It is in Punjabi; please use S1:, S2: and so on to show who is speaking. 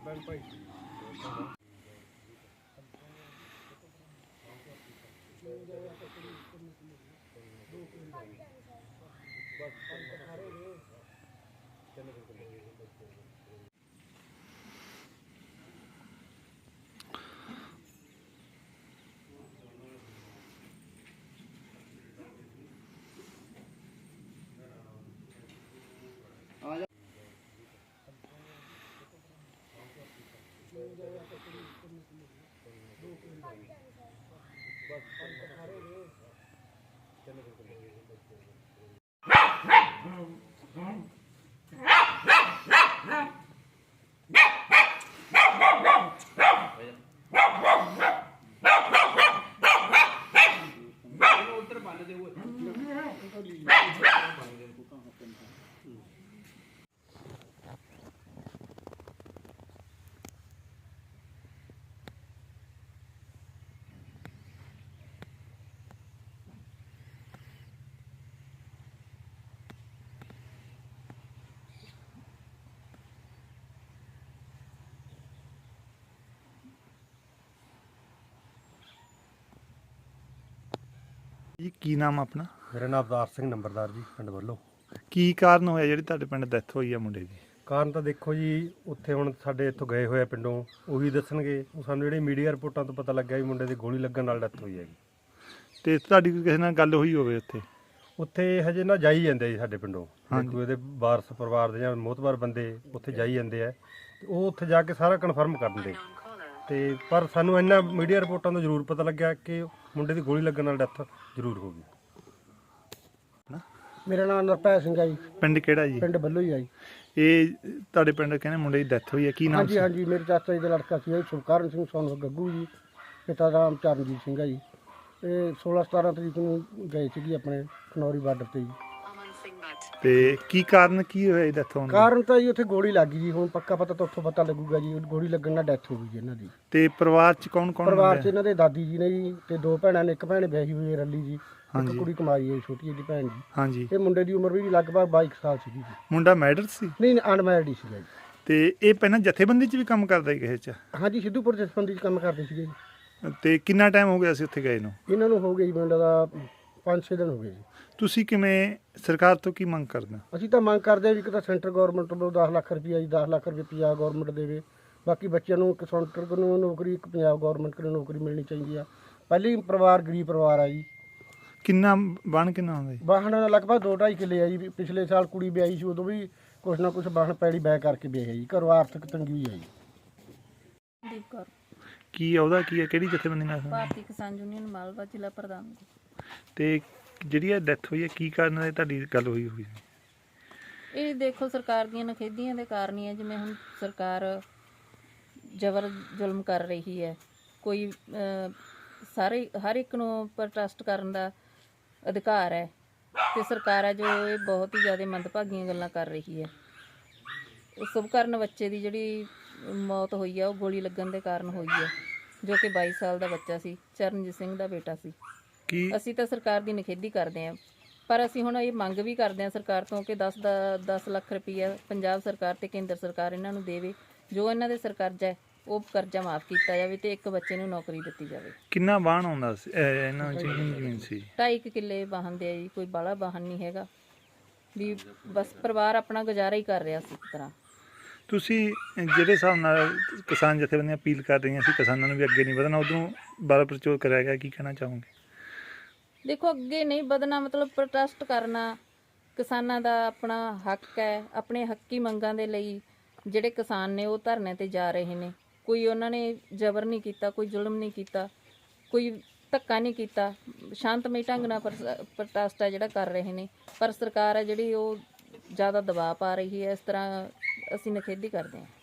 S1: ਜੀ ਕੀ ਨਾਮ ਆਪਣਾ?
S2: ਮੇਰਾ ਨਾਮ ਅਵਤਾਰ ਸਿੰਘ ਨੰਬਰਦਾਰ ਜੀ, ਪਿੰਡ ਵੱਲੋਂ।
S1: ਕੀ ਕਾਰਨ ਹੋਇਆ ਜਿਹੜੀ ਤੁਹਾਡੇ ਪਿੰਡ ਡੈਥ ਹੋਈ ਆ ਮੁੰਡੇ ਦੀ?
S2: ਕਾਰਨ ਤਾਂ ਦੇਖੋ ਜੀ, ਉੱਥੇ ਹੁਣ ਸਾਡੇ ਇੱਥੋਂ ਗਏ ਹੋਏ ਆ ਪਿੰਡੋਂ, ਉਹੀ ਦੱਸਣਗੇ। ਉਹ ਸਾਨੂੰ ਜਿਹੜੀ ਮੀਡੀਆ ਰਿਪੋਰਟਾਂ ਤੋਂ ਪਤਾ ਲੱਗਿਆ ਵੀ ਮੁੰਡੇ ਦੀ ਗੋਲੀ ਲੱਗਣ ਨਾਲ ਡੈਥ ਹੋਈ ਹੈਗੀ।
S1: ਤੇ ਤੁਹਾਡੀ ਕੋਈ ਕਿਸੇ ਨਾਲ ਗੱਲ ਹੋਈ ਹੋਵੇ ਉੱਥੇ?
S2: ਉੱਥੇ ਹਜੇ ਨਾ ਜਾਈ ਜਾਂਦੇ ਜੀ ਸਾਡੇ ਪਿੰਡੋਂ, ਦੇਖੋ ਇਹਦੇ ਵਾਰਸ ਪਰਿਵਾਰ ਦੇ ਜਾਂ ਮੋਹਤਬਾਰ ਬੰਦੇ ਉੱਥੇ ਜਾਈ ਜਾਂਦੇ ਆ, ਤੇ ਉਹ ਉੱਥੇ ਜਾ ਕੇ ਸਾਰਾ ਕਨਫਰਮ ਕਰ ਦਿੰਦੇ। ਤੇ ਪਰ ਸਾਨੂੰ ਇੰਨਾ ਮੀਡੀਆ ਰਿਪੋਰਟਾਂ ਤੋਂ ਜ਼ਰੂਰ ਪਤਾ ਲੱਗਿਆ ਕਿ ਮੁੰਡੇ ਦੀ ਗੋਲੀ ਲੱਗਣ ਨਾਲ ਡੈਥ ਜ਼ਰੂਰ ਹੋ ਗਈ।
S3: ਮੇਰਾ ਨਾਮ ਨਰਪੈ ਸਿੰਘ ਹੈ ਜੀ।
S1: ਪਿੰਡ ਕਿਹੜਾ ਜੀ?
S3: ਪਿੰਡ ਬੱਲੋ ਹੀ ਆ ਜੀ।
S1: ਇਹ ਤੁਹਾਡੇ ਪਿੰਡ ਕਹਿੰਦੇ ਮੁੰਡੇ ਦੀ ਡੈਥ ਹੋਈ ਹੈ, ਕੀ ਨਾਮ ਸੀ?
S3: ਹਾਂਜੀ, ਮੇਰੇ ਚਾਚਾ ਜੀ ਦਾ ਲੜਕਾ ਸੀ ਸੁਖਕਰਨ ਸਿੰਘ ਸੋਨ ਗੱਗੂ ਜੀ, ਪਿਤਾ ਦਾ ਨਾਮ ਚਰਨਜੀਤ ਸਿੰਘ ਹੈ ਜੀ। ਇਹ 16-17 ਤਰੀਕ ਨੂੰ ਗਏ ਸੀਗੇ ਆਪਣੇ ਖਨੌਰੀ ਬਾਰਡਰ ਤੇ ਜੀ।
S1: ਤੇ ਕੀ ਕਾਰਨ ਕੀ ਹੋਇਆ ਡੈਥ ਹੋਣ ਦਾ?
S3: ਕਾਰਨ ਤਾਂ ਜੀ ਉੱਥੇ ਗੋਲੀ ਲੱਗ ਗਈ ਜੀ। ਹੁਣ ਪੱਕਾ ਪਤਾ ਤਾਂ ਉੱਥੋਂ ਪਤਾ ਲੱਗੂਗਾ ਜੀ। ਗੋਲੀ ਲੱਗਣ ਨਾਲ ਡੈਥ ਹੋ ਗਈ ਜੀ ਇਹਨਾਂ ਦੀ।
S1: ਤੇ ਪਰਿਵਾਰ ਚ ਕੌਣ ਕੌਣ?
S3: ਪਰਿਵਾਰ 'ਚ ਇਹਨਾਂ ਦੇ ਦਾਦੀ ਜੀ ਨੇ ਜੀ, ਤੇ 2 ਭੈਣਾਂ ਨੇ। ਇੱਕ ਭੈਣ ਵਿਆਹੀ ਹੋਈ ਹੈ ਰੱਲੀ ਜੀ, ਇੱਕ ਕੁੜੀ ਕੁਮਾਰੀ ਹੈ ਛੋਟੀ ਜਿਹੀ ਭੈਣ ਜੀ।
S1: ਹਾਂਜੀ।
S3: ਇਹ ਮੁੰਡੇ ਦੀ ਉਮਰ ਵੀ ਲਗਭਗ 22 ਸਾਲ ਸੀਗੀ ਜੀ।
S1: ਮੁੰਡਾ ਮੈਰਿਡ ਸੀ?
S3: ਨਹੀਂ, ਅਨਮੈਰਿਡ ਹੀ ਸੀਗਾ ਜੀ।
S1: ਤੇ ਇਹ ਪਹਿਲਾਂ ਜਥੇਬੰਦੀ ਚ ਵੀ ਕੰਮ ਕਰਦਾ ਸੀ ਕਿਸੇ ਚ?
S3: ਹਾਂਜੀ, ਸਿੱਧੂਪੁਰ ਜਥੇਬੰਦੀ 'ਚ ਕੰਮ ਕਰਦੇ ਸੀਗੇ ਜੀ।
S1: ਤੇ ਕਿੰਨਾ ਟਾਈਮ ਹੋ ਗਿਆ ਸੀ ਉੱਥੇ ਗਏ ਨੂੰ?
S3: ਇਹਨਾਂ ਨੂੰ ਹੋ ਗਏ ਜੀ ਮੁੰਡਾ ਦਾ 5-6 ਦਿਨ ਹੋ ਗਏ ਜੀ।
S1: ਤੁਸੀਂ ਕਿਵੇਂ ਸਰਕਾਰ ਤੋਂ ਕੀ ਮੰਗ ਕਰਦੇ?
S3: ਅਸੀਂ ਤਾਂ ਮੰਗ ਕਰਦੇ ਹਾਂ ਵੀ ਇੱਕ ਤਾਂ ਸੈਂਟਰ ਗਵਰਨਮੈਂਟ ਵੱਲੋਂ 10 ਲੱਖ ਰੁਪਈਆ ਜੀ, 10 ਲੱਖ ਰੁਪਏ ਪੰਜਾਬ ਗਵਰਨਮੈਂਟ ਦੇਵੇ। ਬਾਕੀ ਬੱਚਿਆਂ ਨੂੰ ਇੱਕ ਸੈਂਟਰ ਨੂੰ ਨੌਕਰੀ, ਇੱਕ ਪੰਜਾਬ ਗਵਰਨਮੈਂਟ ਨੂੰ ਨੌਕਰੀ ਮਿਲਣੀ ਚਾਹੀਦੀ ਆ। ਪਹਿਲੀ ਪਰਿਵਾਰ ਗਰੀਬ ਪਰਿਵਾਰ ਆ ਜੀ।
S1: ਕਿੰਨਾ ਬਣ ਕਿੰਨਾ ਆਉਂਦਾ ਜੀ?
S3: ਵਾਹਣ ਲਗਭਗ 2-2.5 ਕਿੱਲੇ ਆ ਜੀ। ਪਿਛਲੇ ਸਾਲ ਕੁੜੀ ਵਿਆਹੀ ਸੀ, ਉਦੋਂ ਵੀ ਕੁਛ ਨਾ ਕੁਛ ਵਾਹਣ ਪੈੜੀ ਬੈ ਕਰਕੇ ਵਿਆਹੀ ਜੀ। ਘਰੋਂ ਆਰਥਿਕ ਤੰਗੀ ਆ ਜੀ।
S4: ਦੀਪ ਕੌਰ,
S1: ਕੀ ਉਹਦਾ ਕੀ ਹੈ, ਕਿਹੜੀ ਜਥੇਬੰਦੀ ਨਾਲ?
S4: ਭਾਰਤੀ ਕਿਸਾਨ ਯੂਨੀਅਨ ਮਾਲਵਾ ਜ਼ਿਲ੍ਹਾ ਪ੍ਰਧਾਨ।
S1: ਤੇ ਜਿਹੜੀ ਇਹ ਡੈਥ ਹੋਈ ਹੈ ਕੀ ਕਾਰਨ ਹੈ ਤੁਹਾਡੀ ਗੱਲ ਹੋਈ?
S4: ਇਹ ਦੇਖੋ ਸਰਕਾਰ ਦੀਆਂ ਨਖੇਧੀਆਂ ਦੇ ਕਾਰਨ ਹੀ ਹੈ। ਜਿਵੇਂ ਹੁਣ ਸਰਕਾਰ ਜ਼ਬਰ ਜ਼ੁਲਮ ਕਰ ਰਹੀ ਹੈ। ਕੋਈ ਹਰ ਇੱਕ ਨੂੰ ਪ੍ਰੋਟੈਸਟ ਕਰਨ ਦਾ ਅਧਿਕਾਰ ਹੈ, ਤੇ ਸਰਕਾਰ ਹੈ ਜੋ ਇਹ ਬਹੁਤ ਹੀ ਜ਼ਿਆਦਾ ਮੰਦਭਾਗੀਆਂ ਗੱਲਾਂ ਕਰ ਰਹੀ ਹੈ। ਸੁਭਕਰਨ ਬੱਚੇ ਦੀ ਜਿਹੜੀ ਮੌਤ ਹੋਈ ਹੈ ਉਹ ਗੋਲੀ ਲੱਗਣ ਦੇ ਕਾਰਨ ਹੋਈ ਹੈ, ਜੋ ਕਿ 22 ਸਾਲ ਦਾ ਬੱਚਾ ਸੀ, ਚਰਨਜੀਤ ਸਿੰਘ ਦਾ ਬੇਟਾ ਸੀ। ਅਸੀਂ ਤਾਂ ਸਰਕਾਰ ਦੀ ਨਿਖੇਧੀ ਕਰਦੇ ਹਾਂ, ਪਰ ਅਸੀਂ ਹੁਣ ਇਹ ਮੰਗ ਵੀ ਕਰਦੇ ਹਾਂ ਸਰਕਾਰ ਤੋਂ ਕਿ 10 ਲੱਖ ਰੁਪਈਆ ਪੰਜਾਬ ਸਰਕਾਰ ਤੇ ਕੇਂਦਰ ਸਰਕਾਰ ਇਹਨਾਂ ਨੂੰ ਦੇਵੇ। ਜੋ ਇਹਨਾਂ ਦੇ ਸਿਰ ਕਰਜ਼ਾ ਹੈ ਉਹ ਕਰਜ਼ਾ ਮਾਫ ਕੀਤਾ ਜਾਵੇ ਤੇ ਇੱਕ ਬੱਚੇ ਨੂੰ ਨੌਕਰੀ ਦਿੱਤੀ ਜਾਵੇ।
S1: ਕਿੰਨਾ ਵਾਹਣ ਆਉਂਦਾ ਸੀ ਇਹਨਾਂ ਚ? ਜ਼ਮੀਨ ਸੀ
S4: 2.5 ਕਿੱਲੇ ਵਾਹਨ ਦੇ ਆ ਜੀ। ਕੋਈ ਬਾਹਲਾ ਵਾਹਨ ਨਹੀਂ ਹੈਗਾ ਵੀ, ਬਸ ਪਰਿਵਾਰ ਆਪਣਾ ਗੁਜ਼ਾਰਾ ਹੀ ਕਰ ਰਿਹਾ ਸੀ ਇੱਕ ਤਰ੍ਹਾਂ।
S1: ਤੁਸੀਂ ਜਿਹੜੇ ਹਿਸਾਬ ਨਾਲ ਕਿਸਾਨ ਜਥੇਬੰਦੀਆਂ ਅਪੀਲ ਕਰ ਰਹੀਆਂ ਸੀ ਕਿਸਾਨਾਂ ਨੂੰ ਵੀ ਅੱਗੇ ਨਹੀਂ ਵਧਣਾ, ਉਦੋਂ ਬਾਰਾ ਪ੍ਰਚੋਰ ਕਰਿਆ ਗਿਆ, ਕੀ ਕਹਿਣਾ ਚਾਹੋਗੇ?
S4: ਦੇਖੋ, ਅੱਗੇ ਨਹੀਂ ਵਧਣਾ ਮਤਲਬ ਪ੍ਰੋਟੈਸਟ ਕਰਨਾ ਕਿਸਾਨਾਂ ਦਾ ਆਪਣਾ ਹੱਕ ਹੈ। ਆਪਣੇ ਹੱਕੀ ਮੰਗਾਂ ਦੇ ਲਈ ਜਿਹੜੇ ਕਿਸਾਨ ਨੇ ਉਹ ਧਰਨੇ ਤੇ ਜਾ ਰਹੇ ਨੇ। ਕੋਈ ਉਹਨਾਂ ਨੇ ਜ਼ਬਰ ਨਹੀਂ ਕੀਤਾ, ਕੋਈ ਜ਼ੁਲਮ ਨਹੀਂ ਕੀਤਾ, ਕੋਈ ਧੱਕਾ ਨਹੀਂ ਕੀਤਾ। ਸ਼ਾਂਤਮਈ ਢੰਗ ਨਾਲ ਪ੍ਰੋਟੈਸਟ ਹੈ ਜਿਹੜਾ ਕਰ ਰਹੇ ਨੇ। ਪਰ ਸਰਕਾਰ ਹੈ ਜਿਹੜੀ ਉਹ ਜ਼ਿਆਦਾ ਦਬਾਅ ਪਾ ਰਹੀ ਹੈ। ਇਸ ਤਰ੍ਹਾਂ ਅਸੀਂ ਨਿਖੇਧੀ ਕਰਦੇ ਹਾਂ।